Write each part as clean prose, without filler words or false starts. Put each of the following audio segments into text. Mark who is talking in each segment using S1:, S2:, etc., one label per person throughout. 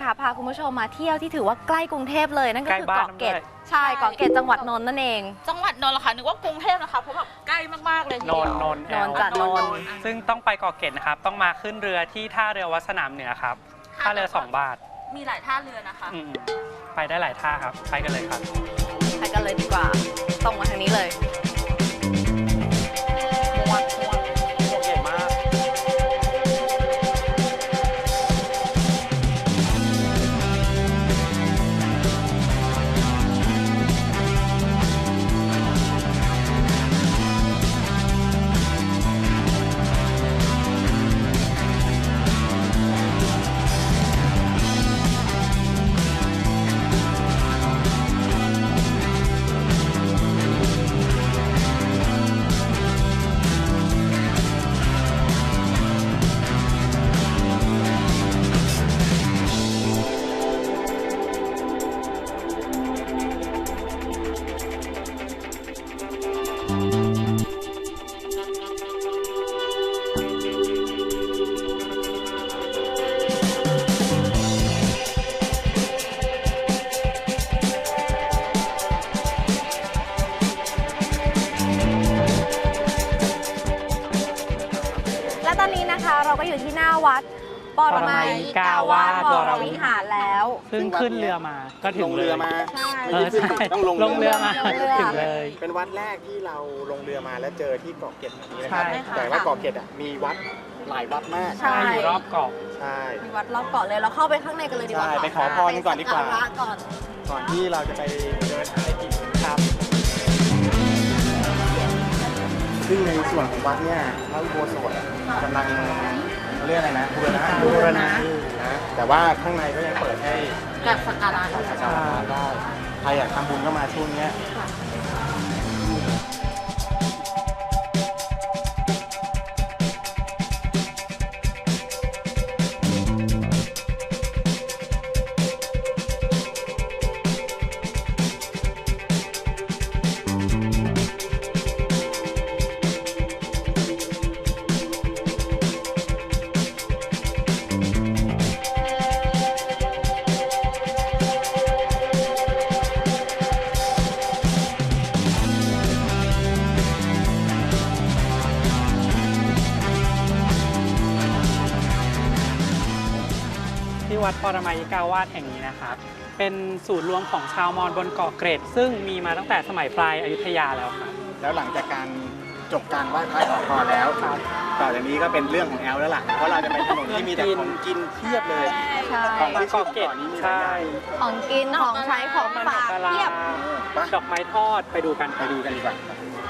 S1: ค่ะพาคุณผู้ชมมาเที่ยวที่ถือว่าใกล้กรุงเทพเลยนั่นก็คือเกาะเกร็ดใช่เกาะเกร็ดจังหวัดนนท์นั่นเอง
S2: จังหวัดนนท์เหรอคะนึกว่ากรุงเทพนะคะเพราะแบบใกล้มากๆเลยทีเดียวน
S1: นท์จัดนนท์
S3: ซึ่งต้องไปเกาะเกร็ดนะครับต้องมาขึ้นเรือที่ท่าเรือวัดสนามเหนือครับท่าเรือ2 บาท
S2: มีหลายท่าเรือนะคะ
S3: ไปได้หลายท่าครับไปกันเลยครับ
S1: ไปกันเลยดีกว่าตรงมาทางนี้เลย
S3: ม้วนใหญ่มาก
S1: ตอนนี้นะคะเราก็อยู่ที่หน้าวัดปรมัยกาวาสวรวิหารแล้ว
S3: ซึ่งขึ้นเรือมาก็ถึง
S4: ลงเรือมา
S3: ใช่
S4: ต้องลง
S3: เรือมาถึงเลย
S4: เป็นวัดแรกที่เราลงเรือมาแล้วเจอที่เกาะเกร็ดนี้นะครับแต่ว่าเกาะเกร็ดมีวัดหลายวัดมาก
S1: ใช่
S3: อยู่รอบเกาะ
S4: ใช่
S1: มีวัดรอบเกาะเลยเราเข้าไปข้างในกันเลยดีกว่า
S4: ไปขอพรก่อนดีกว่าก่อนที่เราจะไปเดินหาอะไรกิน
S3: ครับ
S4: ซึ่งในส่วนของวัดเนี่ยพระอุโบสถกำลังเรียกอะไรนะบูรณะนะแต่ว่าข้างในก็ยังเปิดให้
S2: แบบสักการะ
S4: ได้ใครอยากทำบุญก็มาช่วงนี้
S3: วัดปรมัยกาวาสแห่งนี้นะครับเป็นศูนย์รวมของชาวมอญบนเกาะเกร็ดซึ่งมีมาตั้งแต่สมัยปลายอยุธยาแล้วครับ
S4: แล้วหลังจากการจบการไหว้พระขอพรแล้วต่อจากนี้ก็เป็นเรื่องของแอลแล้วล่ะเพราะเราจะไปถนนที่มีแต่ของกินเพียบเลยของที่เกาะเกร็ดนี้มีหลายอย่าง
S1: ของกินของใช้ของฝากเพียบ
S3: ดอกไม้ทอดไปดูกัน
S4: ดีกว่า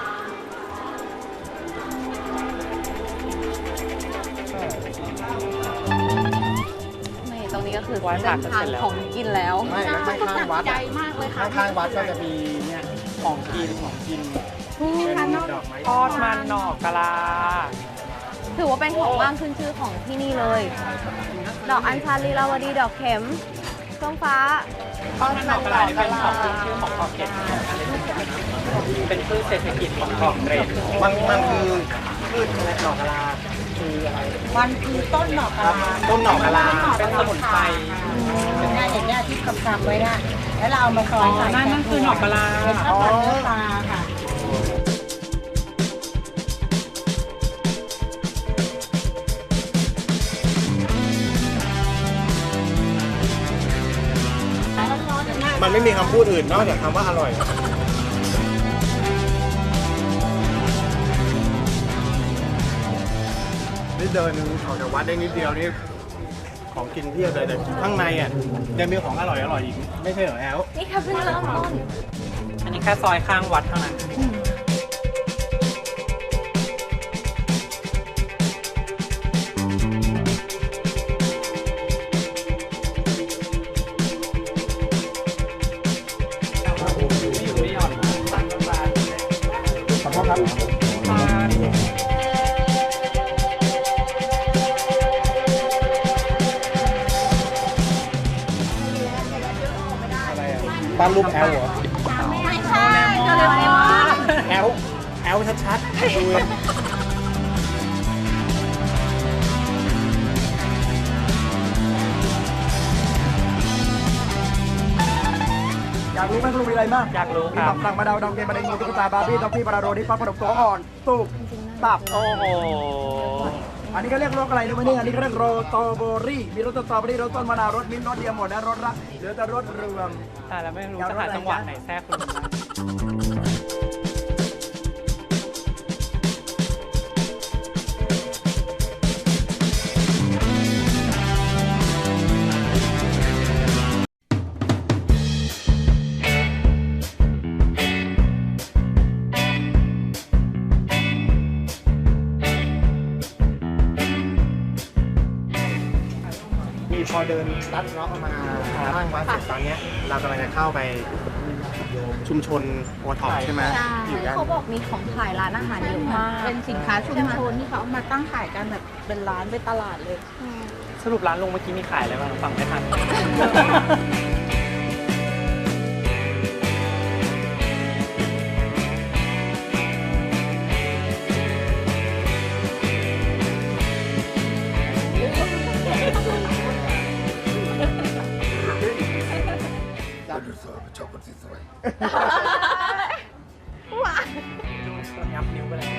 S1: ตรงนี้ก็คือเส้นทางของกินแล้ว
S4: ไม่ข้างวัด
S2: ใหญ่มากเลยค่ะ
S4: ข้างวัดก็จะมีเนี่ยของกินเป็นดอกไม้
S3: ทอดมันหน่อกะลา
S1: ถือว่าเป็นของว่างขึ้นชื่อของที่นี่เลยดอกอัญชันลีลาวดีดอกเข็มส้มฟ้า
S3: ทอดมันหน่อกะลาเป็นของขึ้นชื่อของเกาะเกร็ดเป็นพืชเศรษฐกิจของเกาะเกร็ด
S4: มันคือพืชอะไรหน่อกะลาคืออะไร
S2: มันคือต้นหน่อกะลา
S4: ต้นหน่อกะลา
S3: เป็นสมุนไพร
S2: เนี่ยอย่างเงี้ยที่กำไว้นะแล้วเราเอามาซอยใส่
S3: นั่นคือหน่อกะลา
S2: เป็นข้าวผัดเนื้อปลาค่ะ
S4: มันไม่มีคำพูดอื่นนอกจากคำว่าอร่อยนี่เดินออกจากวัดได้นิดเดียวนี่ของกินเพียบเลยแต่ข้างในอ่ะยังมีของอร่อยอีกไม่ใช่เหรอแอล
S1: นี่ค่ะเพิ่งเริ่มต้น
S3: อันนี้แค่ซอยข้างวัดเท่านั้น
S4: ขอโทษครับปั้นรูปแอลเหรอ
S2: ไม่ใช่โดเรมอน
S4: แอลชัดๆดู
S5: ากรู้ไหมคุณลุงมีอะไรบ้าง
S3: อยากรู้
S5: มี
S3: ครับ
S5: ตับสั่งมาดาวดองเกมบันไดงูตุ๊กตาบาร์บี้ด็อกกี้บาราโรดิฟักขนมตัวอ่อนตูบตับ
S3: โอ้โห
S5: อันนี้ก็เรียกรสอะไรรู้ไหมเนี่ยอันนี้ก็เรียกโรโตโบรี่มีรสสตรอเบอรี่รสต้นมะนาวรสมิ้นท์รสเดียวหมดนะรสละเหลือแต่รสรวม
S3: แต่แล้วไม่รู้จะหาจังหวะไหนแทรกคุณลุงได้
S4: มีพอเดินลัดเลาะมาข้างวัดเสร็จตอนเนี้ยเรากำลังจะเข้าไปชุมชนโอท็อปใช่ไหม
S1: ใช่
S4: อยู่ด้าน
S1: เขาบอกมีของขายร้านอาหารเยอะมาก
S2: เป็นสินค้าชุมชนที่เขาเอามาตั้งขายกันแบบเป็นร้านเป็นตลาดเลย
S3: สรุปร้านลุงเมื่อกี้มีขายอะไรบ้างฟังไม่ทัน ยับนิ้วไปเลย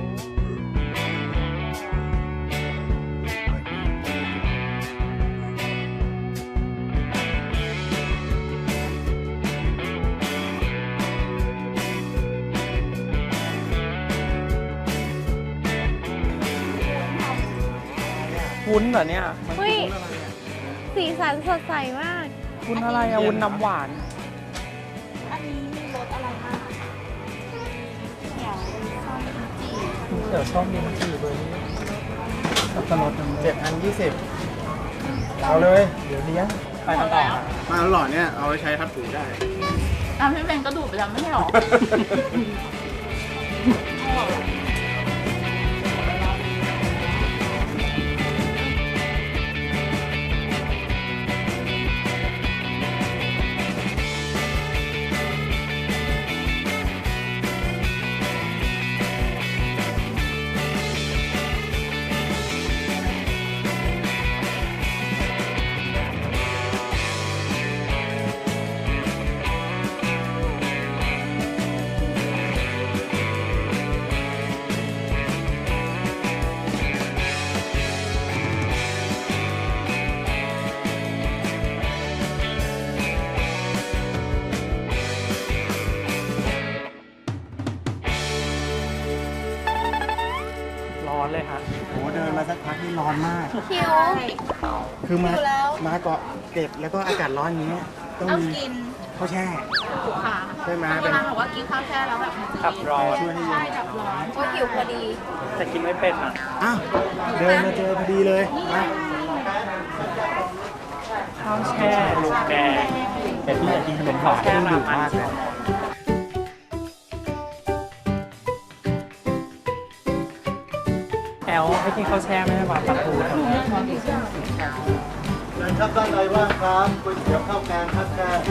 S3: วุ้นเหรอเนี่ย
S1: เฮ้ย สีสันสดใสมาก
S3: วุ้นอะไรอะวุ้นน้ำหวาน
S2: อันนี้มีรสอะไรบ้าง
S3: เดี๋ยวชอบมีมันจีเบอร์นี้สับปะรดมัน
S4: 7,020เอาเลย เดี๋ยวเลี้ยง
S3: ไปกันต่อ
S4: มาหล่อเนี่ยเอาไปใช้ทับถูได้
S2: พี่เบนก็ดูดไปแล้วไม่ใช่หรอ
S3: ร้อนเลยฮะ
S4: โหเดินมาสักพักนี่ร้อนมาก
S1: คิว
S4: คือมา
S1: อยู่แล้ว
S4: มาเกาะเกร็ดแล้วก็อากาศร้อนอย่างเงี้ยต้อง
S2: ต้อง
S4: มี
S2: กิน
S4: ข้าวแช่
S2: ค่ะ
S4: ใช่ไหม
S2: โบ
S4: เป็น
S2: ราณบอกว่ากินข้าวแช่แล้วแบบมันจะ
S3: ขับร้อน
S4: ช่วยให้เย็น
S2: ใช่ดับร้อน
S1: ก็หิวพอดี
S3: แต่กินไม่เป็นอ่ะ
S4: อ้าวเดินมาเจอพอดีเลยมา
S3: ข้าวแช่ลูกแดง
S4: แต่พี่อยากกินขนมหวาน
S3: แช่
S4: ที่
S3: รา
S4: ดุ
S3: มัน
S4: มากเลย
S3: แอลให้กินข้าวแช่ไม่ให้มาปลาทูครับ
S4: เดินครับด้านในว่างครับก๋วยเตี๋ยวข้าวแกงครับแกง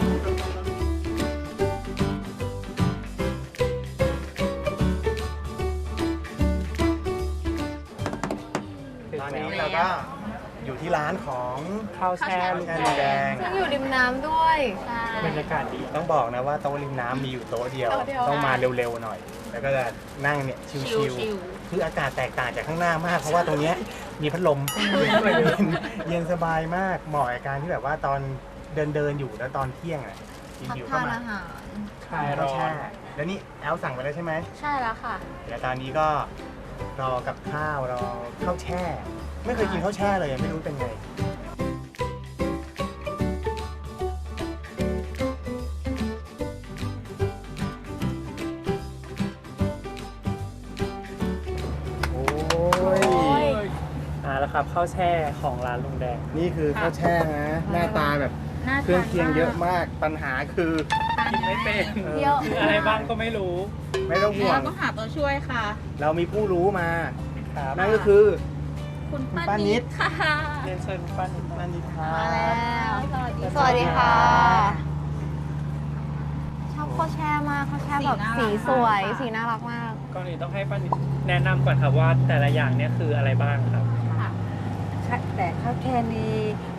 S4: ตอนนี้เราก็อยู่ที่ร้านของ
S3: ข้าวแช่ลูก
S4: แช่
S3: แด
S4: ลูกแด
S3: ง
S4: ง
S1: ซึ่งอยู่ริมน้ำด้วย
S3: บรรยากาศดี
S4: ต้องบอกนะว่าโต๊ะริมน้ำมีอยู่โต๊ะเดียว
S1: โต๊ะเดียว
S4: ต้องมาเร็วๆหน่อย แล้วก็จะนั่งเนี่ยชิวๆคืออากาศแตกต่างจากข้างหน้ามาก เพราะว่าตรงเนี้ยมีพัดลม เย็นสบายมากเหมาะกับการที่แบบว่าตอนเดินอยู่แล้วตอนเที่ยงอ่ะ
S1: พัก
S4: หิวๆ
S1: ทา
S4: เข้าน มา
S1: อาหาร
S3: คลาย
S4: ข้า
S3: ร้
S4: ว
S3: อ
S4: แช่
S3: น
S4: แล้วนี่แอลสั่งไปแล้วใช่ไหม
S2: ใช่แล้วค่ะ
S4: เดี๋ยวตอนนี้ก็รอกับข้าวรอข้าวแช่ ไม่เคยกินข้าวแช่เลยไม่รู้เป็นไง โอ้ย
S3: แล้วครับข้าวแช่ของร้านลุงแดง
S4: นี่คือข้าวแช่นะ หน้าตาแบบ
S2: น่า
S4: เครื่องเคียงเยอะมาก ปัญหาคือ
S3: กินไม่เป็น
S1: เยอะ
S3: มีอะไรบ้างก็ไม่รู้
S4: ไม่ต้องห่ว
S2: เรา
S4: ง
S2: ต้องหาตัวช่วยค่ะ
S4: เรามีผู้รู้มา
S3: ครับ
S4: นั่นก็คือ
S2: คุณ
S4: ป้า
S2: ป้า
S4: นิ
S2: นิ
S4: ด
S2: ดค่ะ
S3: เรียนเชิญป้านิด
S4: นันนิทา
S1: มาแล้ว สวัสดีค่ะ ชอบข้าวแช่มากข้าวแช่แบบสีสวย สีน่ารักมาก
S3: ก่อนอื่นต้องให้ป้านิดแนะนำก่อนครับว่าแต่ละอย่างเนี่ยคืออะไรบ้างครับ
S6: แต่ข้าวแช่นี้ป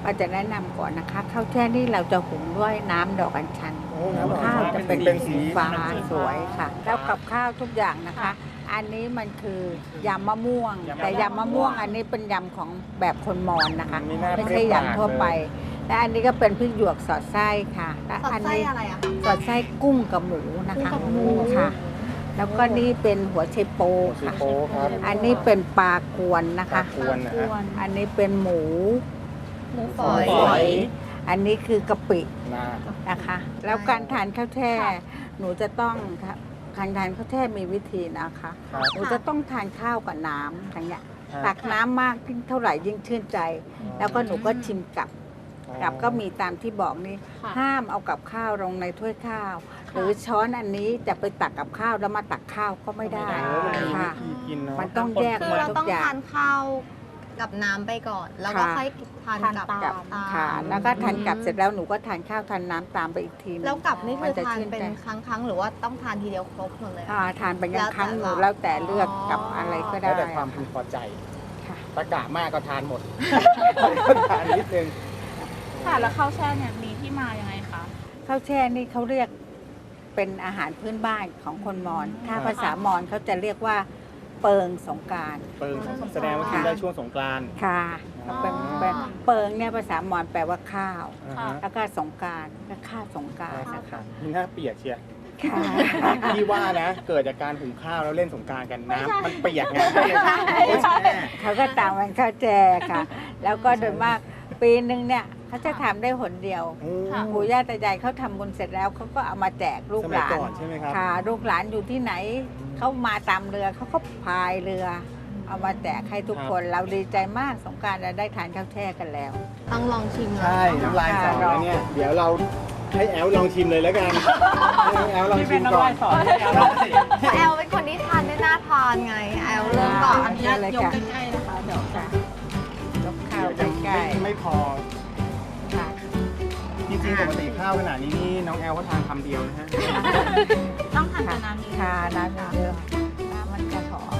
S2: ก็จะแนะนำก่อนนะคะข้าวแช่นี่เราจะหุงด้วยน้ำดอกอัญชัน ข้าวจะเป็นสีฟ้าสวยค่ะ แล้วกับข้าวทุกอย่างนะคะ อันนี้มันคือยำมะม่วง แต่ยำมะม่วงอันนี้เป็นยำของแบบคนมอญนะคะ ไม่ใช่ยำทั่วไป และอันนี้ก็เป็นพริกหยวกสอดไส้ค่ะและ
S1: สอด
S2: อัน
S1: ไส้
S2: นี้
S1: อะไรอะคะ
S2: สอดไส้กุ้งกับหมูนะคะ
S1: กุ้งกับหมู
S2: ค่ะ แล้วก็นี่เป็นหัวไชโปค่ะ
S4: โป๊ครับ
S2: อันนี้เป็นปลากวนนะคะ
S4: ควรนะฮะ
S2: อันนี้เป็นหมู
S1: หมูฝอย
S2: ฝอย อันนี้คือกะปิ
S4: นา
S2: นะคะ แล้วการทานข้าวแช่ หนูจะต้องการทานข้าวแช่มีวิธีนะคะ
S4: ครับ
S2: หนูจะต้องทานข้าวกับน้ำอย่างเงี้ย
S4: ครับ
S2: ตักน้ำมากยิ่งเท่าไหร่ยิ่งชื่นใจ แล้วก็หนูก็ชิมกับก็มีตามที่บอกนี่
S1: ค่ะ
S2: ห้ามเอากับข้าวลงในถ้วยข้าว หรือช้อนอันนี้จะไปตักกับข้าวแล้วมาตักข้าวก็ไม่ได้ค่ะ
S4: กินเนาะ
S2: มันต้องแยก
S1: คือ
S2: หมด
S1: เรา
S2: ทุ
S1: ต้อง
S2: กอย่าง
S1: ทานข้าวกับน้ำไปก่อน แล้วก็
S2: ค่ะ
S1: ค่อยทานกับ
S2: กับ
S1: ตาม
S2: ค่ะแล้วก็ทานกับเสร็จแล้วหนูก็ทานข้าวทานน้ำตามไปอีกทีนึง
S1: แล้วกับนี่คือ
S2: จะ
S1: ทาน
S2: ชื่
S1: เป็น
S2: ใจ
S1: ครั้งๆหรือว่าต้องทานทีเดียวครบหมดเลยอะ
S2: ทานไปยังครั้งหนู
S1: แล้วแต่
S2: แล้วแต่เลือกกับอะไรก็ได้
S4: แล้วแต่ความพึงพอใจ
S2: ค่ะ
S4: ตะกะมากก็ทานหมด ทานนิดนึง
S6: ค่ะแล้วข้าวแช่เนี่ยมีที่มายังไงคะ
S2: ข้าวแช่นี่เขาเรียกเป็นอาหารพื้นบ้านของคนมอญถ้าภาษามอญเขาจะเรียกว่าเปิงสงกรานต์
S4: เปิงแสดงว่ากินได้ช่วงสงกรานต์
S2: ค่ะเป็นเปิงเนี่ยภาษามอญแปลว่าข้าว
S4: อ่าฮะ
S2: แล้วก็สงกรานต์ก็ข้าวสงกรานต์นะคะ
S4: นี่หน้าเปียกเชียร์
S2: ค่ะ
S4: พี่ว่านะ เกิดจากการหุงข้าวแล้วเล่นสงกรานต์กันน้ำมันเปียกไง
S2: เขาก็ตามมันข้าวแช่ค่ะ แล้วก็โดยมากปีหนึ่งเนี่ยเขาจะทำได้หนเดียว ปู่ย่าตายายเขาทำบุญเสร็จแล้วเขาก็เอามาแจกลูก
S4: ส
S2: ห
S4: มัย
S2: ลาน
S4: ก่อนใช่ไหมครับ
S2: ค่ะลูกหลานอยู่ที่ไหนเขามาตามเรือเขาก็พายเรือ เอามาแจกให้ทุกคนเราดีใจมากสงกรานต์เราได้ทานข้าวแช่กันแล้ว
S1: ต้องลองชิม
S4: ใช่น้ำลายสอแล้วเนี่ย เดี๋ยวเราให้แอลลองชิมเลยแล้วกันให้แอลลอง
S3: นี่
S4: ชิ
S3: เป็น
S4: ม
S3: น้ำ
S4: ก่อ
S3: ลาน ยสอนให้เอาลองสิ
S1: แอลเป็นคนที่ทานได้น่าทานไง แอลเริ่มก่อน
S2: อันนี้เลยค่ะ
S6: ใกล้ๆนะคะเดี๋ยวจะ
S2: ยกข้าว
S4: เดี๋ยว
S2: ใกล้
S4: ไม่พอ
S2: ๆค่ะ
S4: จริงๆปกติข้าวขนาดนี้นี่น้องแอลก็ทานคำเดียวนะฮะ
S6: ต้องทานกับน้ำนี้
S2: ค่ะน้ำเยอะน้ำมันจะหอม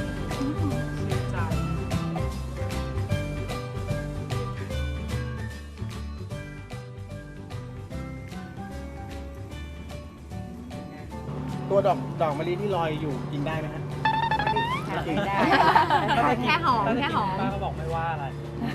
S4: ตัวดอกมะลิที่ลอยอยู่กินได้ไหมฮะ
S2: กินได้
S1: แค่หอมแค่หอม
S3: ป้าก็บอกไม่ว่าอะไร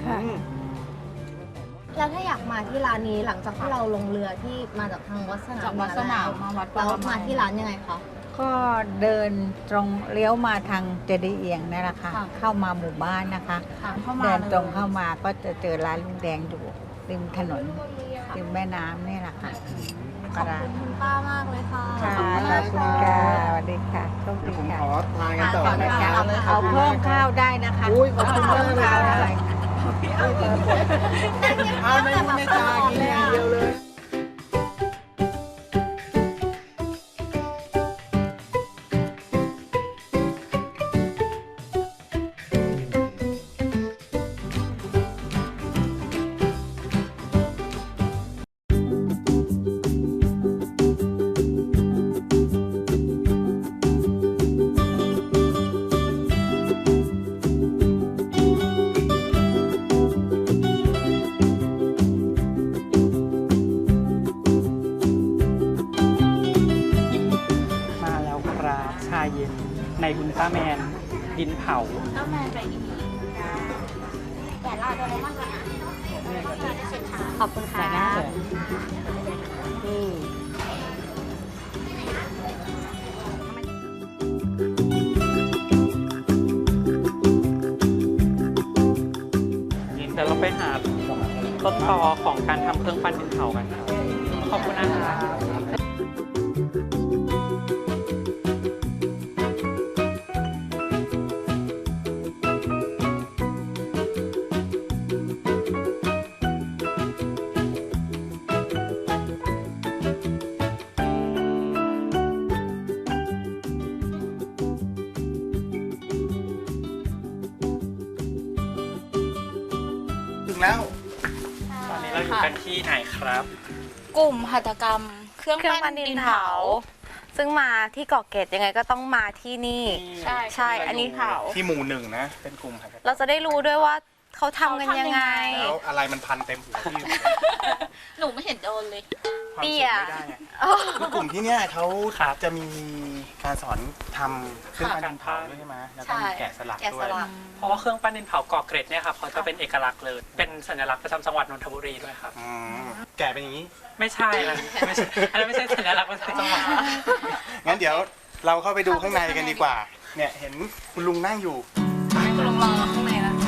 S1: แล้วถ้าอยากมาที่ร้านนี้หลังจากที่เราลงเรือที่มาจากทางวัดสนาม
S6: จากวัดสนามมาวัดป
S1: แล้ว
S6: รมั
S1: มาย ที่ร้านยังไงคะ
S2: ก็เดินตรงเลี้ยวมาทางเจดีย์เอียงนั่นแหละค่ะ
S1: ค่ะ
S2: เข้ามาหมู่บ้านนะคะ
S6: ค่ะเข้ามา
S2: เดินตรง
S6: ลย
S2: เข้ามาก็จะเจอร้านลุงแดงอยู่ริมถนนริมแม่น้ำนี่แหละค่ะ
S1: ขอบคุณคุณป้ามากเลยค่ะ
S2: ค่ะขอบคุณค่ะสวัสดีค่ะโชค
S4: เดี๋ยวผม
S2: ดีค่ะ
S4: ขอทานกันต่อ
S1: ค่ะ
S4: นะค
S1: ค่ะ
S4: รับ
S2: เอาเพิ่มข้าวได้นะคะ
S4: อุ้ยขอบคุณมากเลย
S2: ข้าวได้
S4: เอาไม่จากินอย่างเดียวเลย
S3: มาแล้วครับชาเย็นในอุลตร้าแมนดินเผา
S6: แล้วแม่ไปอีก
S1: ขอบคุณค่ะ
S3: เดี๋ยวเราไปหาต้นตอของการทำเครื่องปั้นดินเผากันครับขอบคุณนะครับ
S4: ถึงแล้ว
S3: ตอนนี้เราอยู่กันที่ไหนครับ
S6: กลุ่มหัตถกรรม เครื่อง
S1: เครื่อง
S6: ปั้
S1: ปั้
S6: น
S1: น
S6: ดิ
S1: ดิ
S6: น
S1: น
S6: เผา
S1: เผา ซึ่งมาที่เกาะเกร็ดยังไงก็ต้องมาที่นี่
S6: ใช่
S1: ใช่ อันนี้
S6: เผา
S4: ที่หมู่หนึ่งนะ เป็นกลุ่มครับ
S1: เราจะได้รู้ด้วยว่าเขาทำกันยังไง
S4: แล้วอะไรมันพันเต็มหัวพี่
S6: หนูไม่เห็นโดนเลย
S4: ความ
S1: เตี้
S4: สุ
S1: ย
S4: ขไม่ได้ไงคือกลุ่มที่เนี่ยเขาจะมีการสอนทำเครื่องปั้นดินเผาด้วยใช่ไหมแล้วก็มีแกะสลัก
S1: แกะ
S4: ด้
S1: ส
S4: วย
S1: ลัก
S3: เพราะว่าเครื่องปั้นดินเผาก่อเกร็ดเนี่ยครับเขาจะเป็นเอกลักษณ์เลยเป็นสัญลักษณ์ประจำจังหวัดนนทบุรีด้วยครับ
S4: อืมแกะเป็นอย่างนี้
S3: ไม่ใช่นะไม่ใช่อันนั้นไม่ใช่สัญลักษณ์ประจำจังหวัด
S4: งั้นเดี๋ยวเราเข้าไปดูข้างในกันดีกว่า เนี่ยเห็นคุณลุงนั่งอยู่
S1: คุณลุงรอข้างในแล้ว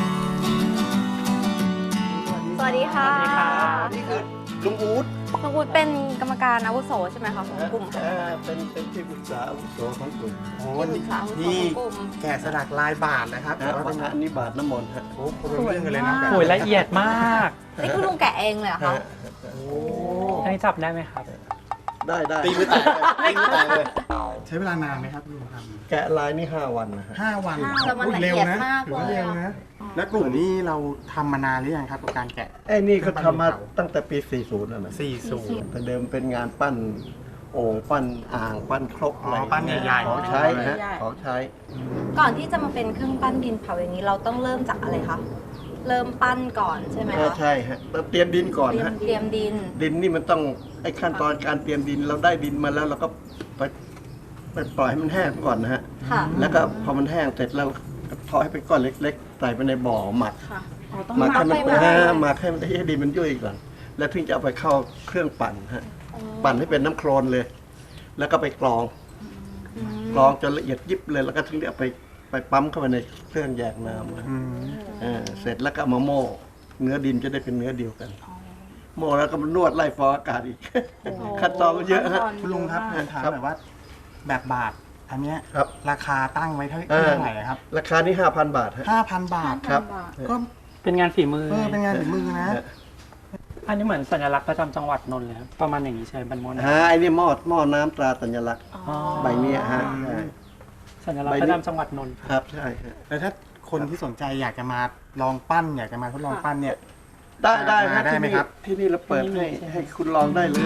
S1: สวัสดีค่ะ
S3: สวัสดีครับ
S5: นี่คือลุงอู๊ด
S1: ลุงอู๊ดเป็นกรรมการอาวุโสใช่ไหมคะของกลุ่ม
S5: เป็นที่ปรึกษาอาวุโสของกลุ่ม
S4: โอ้
S1: ที่ปรึกษาอาวุโส
S4: นี่
S1: ของกลุ่ม
S4: แกะสลักลายบาทนะครับแต่ว่าเป็น
S5: อันนี้บาทน้ำมนต์ฮะ
S4: โอ้โหเป็นเรื่องกันเลยนะ
S3: โอ้ยละเอียดมาก
S1: นี่คือลุงแกะเองเลยเหรอคะ
S4: โอ้
S3: อันนี้จับได้ไหมครับ
S5: ได้
S4: ตีมือแตกเลยตีมือแตกเลย ใช้เวลานานไหมครับลุงทำ
S5: แกะลายนี่5 วันนะฮะ
S4: 5 วัน
S1: แต่มันละ
S4: เร็ว
S1: เอียด
S4: นะ
S1: มาก
S4: ถือ
S1: เล
S4: ว่าย เร็ว
S1: อะ
S4: นะ แล้วกลุ่มนี้เราทำมานานหรือยังครับกับการแกะ
S5: ไอ้นี่ก็ทำมาตั้งแต่ปี 40แล้วนะ
S4: 40
S5: แต่เดิมเป็นงานปั้นโอ่งปั้นอ่างปั้นครกอะไร
S4: อ๋อปั้นใหญ่ๆ
S5: ของใช้ฮะของใช้
S1: ก่อนที่จะมาเป็นเครื่องปั้นดินเผาอย่างนี้เราต้องเริ่มจากอะไรคะเริ่มปั้นก่อนใช่ไหมคะ
S5: ใช่ฮะเราเตรียมดินก่อนฮะ
S1: เตรียมดิน
S5: ดินนี่มันต้องไอ้ขั้นตอนการเตรียมดินเราได้ดินมาแล้วเราก็ไปปล่อยให้มันแห้งก่อนนะฮะ
S1: ค่ะ
S5: แล้วก็พอมันแห้งเสร็จแล้วก็ทอดให้เป็นก้อนเล็กๆใส่ไปในบ่อหมัก
S1: ค่ะ
S5: หมักให้มัน
S1: หมักไป
S5: หมักให้มันให้ดินมันยุ่ยก่อนแล้วถึงจะเอาไปเข้าเครื่องปั่นฮะปั่นให้เป็นน้ำโคลนเลย แล้วก็ไปกรองจนละเอียดยิบเลยแล้วก็ถึงจะเอาไปปั๊มเข้าไปในเครื่องแยกน้ำเสร็จแล้วก็เอามาโม่เนื้อดินจะได้เป็นเนื้อเดียวกันโม่แล้วก็มานวดไล่ฟองอากาศอีกขั้นตอนก็เยอะฮะ
S4: คุณลุงครับผมถามหน่อยว่าแบบบาทอันเนี้ย
S5: ครับ
S4: ราคาตั้งไว้เท่าไหร่ครับ
S5: ราคานี่ 5,000 บาทฮะ
S4: 5,000 บาท
S5: ครับ
S4: ก็
S3: เป็นงานฝีมือ
S4: เป็นงานฝีมือนะ
S3: อันนี้เหมือนสัญลักษณ์ประจำจังหวัดนนท์เลยครับประมาณอย่างนี้ใช่ไหมเป็นมอน
S5: ไอ้นี่หม้อน้ำตราสัญลักษณ์
S3: อ๋อ
S5: ใบเนี้ยฮะ
S3: สัญลักษณ์ประจำจังหวัดนนท์
S5: ครับใช่ฮะ
S4: แล้วถ้าคนที่สนใจอยากจะมาลองปั้นอยากจะมาทดลองปั้นเนี่ย
S5: ได้ฮะ
S4: ได้ไหมครับ
S5: ที่นี่เราเปิดให้คุณลองได้เลย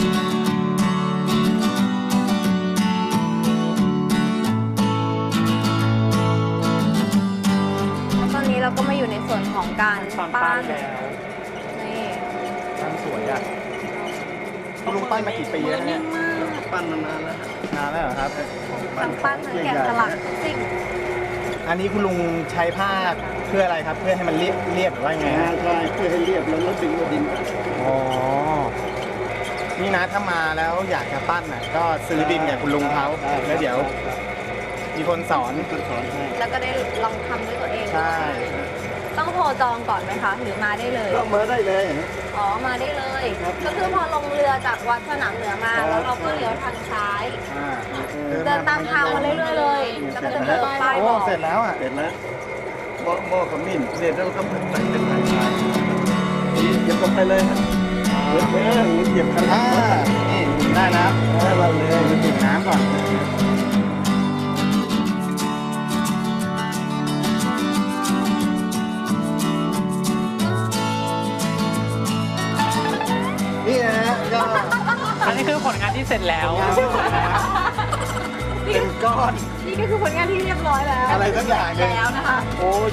S1: แล้วตอนนี้เราก็มาอยู่ในส่วนของการ
S3: ตอน
S1: ปั้
S3: ปั้น
S1: น
S3: แล้ว
S1: นี่
S4: ปั้นสวยอ่ะคุณลุงปั้นมากี่ปีแล้วเนี่ย
S5: ปั้นมานานแล้วฮะ
S4: นานแล้วเหรอครับ
S1: ทั้งปั้นทั้งแกะสลักทุกสิ่ง
S4: อันนี้คุณลุงใช้ผ้าเพื่ออะไรครับ เพื่อให้มันเรียบหรือว่าไงฮะ
S5: ใช่เพื่อให้เรียบแล้วดึงมาดิน
S4: อ๋อ นี่นะถ้ามาแล้วอยากจะปั้นน่ะก็ซื้อดินกับคุณลุงเขาแล้วเดี๋ยว มีคนสอน
S5: คนสอนให้
S1: แล้วก็ได้ลองทำด้วยตัวเอง
S4: ใช่
S1: ต้องโทรจองก่อนไหมคะ หรือมาได้เลย
S5: ก็มาได้เลยฮะ
S1: อ๋อ มาได้เลย ก็คือพอลงเรือจากวัดสนามเหนือมา แล้วเราก็เลี้ยวทางซ้าย เดินตามทางมาเรื่อยๆเลย แล้วก็จะเจอป้าย
S4: โอ้
S1: บอก
S4: เสร็จแล้วอ่ะ
S5: เสร็จแล้วหม้อขมิ้นเสร็จแล้วก็ใส่เป็นสายชายเหยียบลงไปเลยฮะเหยียบคัน
S4: อ่านี่ได้แล้ว
S5: เราเลย
S4: มันดื่มน้ำก่อน นี่นะฮะก็
S3: อันนี้คือผลงานที่เสร็จแล้ว
S4: เป็นก้อน
S1: นี่ก็คือผลงานที่เรียบร้อยแล้ว
S4: อะไรสักอย่างหนึ่ง
S1: แล้วนะคะ
S4: โอ้ย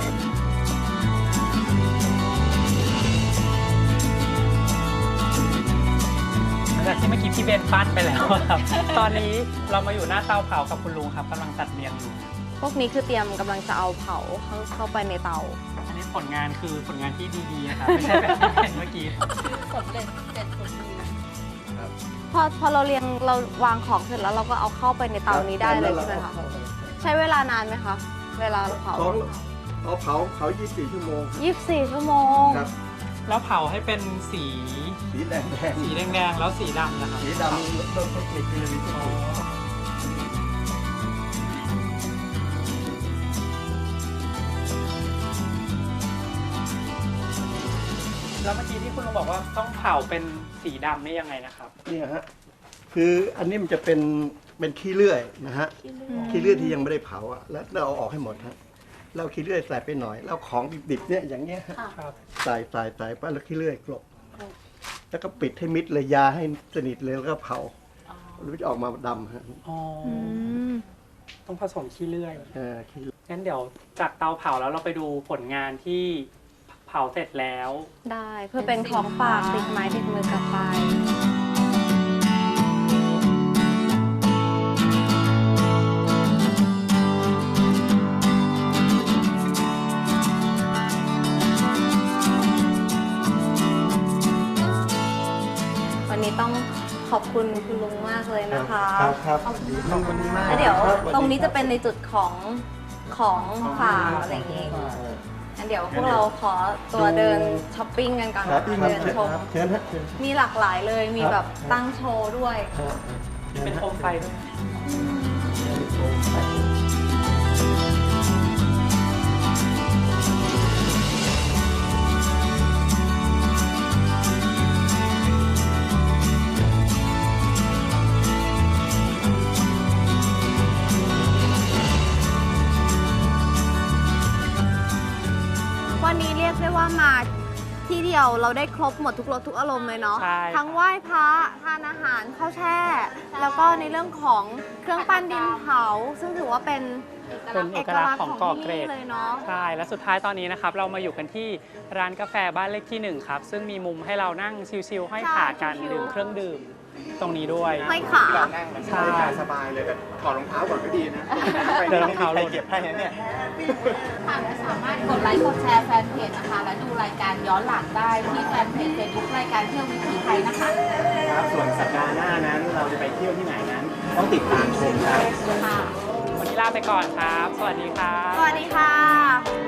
S3: หลังจากที่เมื่อกี้พี่เบนปั้นไปแล้วครับ ตอนนี้เรามาอยู่หน้าเตาเผากับคุณลุงครับกำลังจัดเรียงอยู่
S1: พวกนี้คือเตรียมกำลังจะเอาเผาเข้าไปในเตา
S3: อันนี้ผลงานคือผลงานที่ดีๆนะครับไม่ใช่แบบที่เห็นเมื่อกี้
S6: สำเร็จเสร็จสมบูรณ์
S1: พอเราเรียงเราวางของเสร็จแล้วเราก็เอาเข้าไปในเตานี้ได้เลยใช่ไหมคะ ใช้เวลานานไหมคะ เวลาเผา
S5: เผา24 ชั่วโมง
S1: 24 ชั่วโมง
S5: ครับ
S3: แล้วเผาให้เป็นสี
S5: สีแดง
S3: สีแดงๆแล้วสีดำนะครับ
S5: สีดำต้นเทคนิคคือวิธี
S3: อ๋อแล้วเมื่อกี้ที่คุณลุงบอกว่าต้องเผาเป็นสีดำนี่ยังไงนะครับ
S5: เนี่ยฮะคืออันนี้มันจะเป็นขี้เลื่อยนะฮะขี้เลื่อยที่ยังไม่ได้เผาอ่ะแล้วเราเอาออกให้หมดฮะเราขี้เลื่อยใส่ไปหน่อยแล้วของดิบๆเนี่ยอย่างเงี้ยฮะ
S3: ครับ
S5: ใส่ไปแล้วขี้เลื่อยกลบแล้วก็ปิดให้มิดเลยยาให้สนิทเลยแล้วก็เผาแล้วมันจะออกมาดำฮะ
S3: อ๋อต้องผสมขี้เลื่อย
S5: ขี้
S3: งั้นเดี๋ยวจากเตาเผาแล้วเราไปดูผลงานที่เผาเสร็จแล้ว
S1: ได้เพื่อเป็นของฝากติดไม้ติดมือกลับไป วันนี้ต้องขอบคุณคุณลุงมากเลยนะคะ
S4: ครับขอบคุณมาก
S1: แล้วเดี๋ยวตรงนี้จะเป็นในจุดของฝากอะไรอย่างงี้งั้นเดี๋ยวพวกเราขอตัวเดินช้อปปิ้งกันก่อน
S5: ครับ
S1: เดินชม
S5: เชิญฮะเชิญ
S1: มีหลากหลายเลย มีแบบตั้งโชว์ด้วย
S3: เป็นโคมไฟด้วย
S1: วันนี้เรียกได้ว่ามาที่เดียวเราได้ครบหมดทุกรสทุกอารมณ์เลยเนาะ
S3: ใช่
S1: ทั้งไหว้พระทานอาหารข้าวแช่ แล้วก็ในเรื่องของเครื่องปั้นดินเผา ซึ่งถือว่าเป็น
S3: เป็นเอกลักษณ์ของเกาะเกร็ด
S1: ที่นี่เลยเนาะ
S3: ใช่ และสุดท้ายตอนนี้นะครับ เรามาอยู่กันที่ร้านกาแฟบ้านเลขที่ 1 ครับ ซึ่งมีมุมให้เรานั่งชิลๆห้อยขากัน
S1: ใช่ชิลๆ
S3: ดื่มเครื่องดื่มตรงนี้ด้วย
S1: ห้อยขา
S4: เรานั่งมัน
S3: ใช่
S4: สบายเลยแต่ถอดรองเท้าก่อนก็ดีนะ
S3: เดินรองเท้าลง
S4: เก็บให้นะเนี่ย
S6: ค่ะและสามารถกดไลค์กดแชร์แฟนเพจนะคะ และดูรายการย้อนหลังได้ที่แฟนเพจ Facebook รายการเที่ยววิถีไทยนะคะ
S4: ครับส่วนสัปดาห์หน้านั้นเราจะไปเที่ยวที่ไหนนั้น ต้องติดตามชมครับ
S6: ค่ะ
S3: วันนี้ลาไปก่อนครับ สวัสดีครับ
S1: สวัสดีค่ะ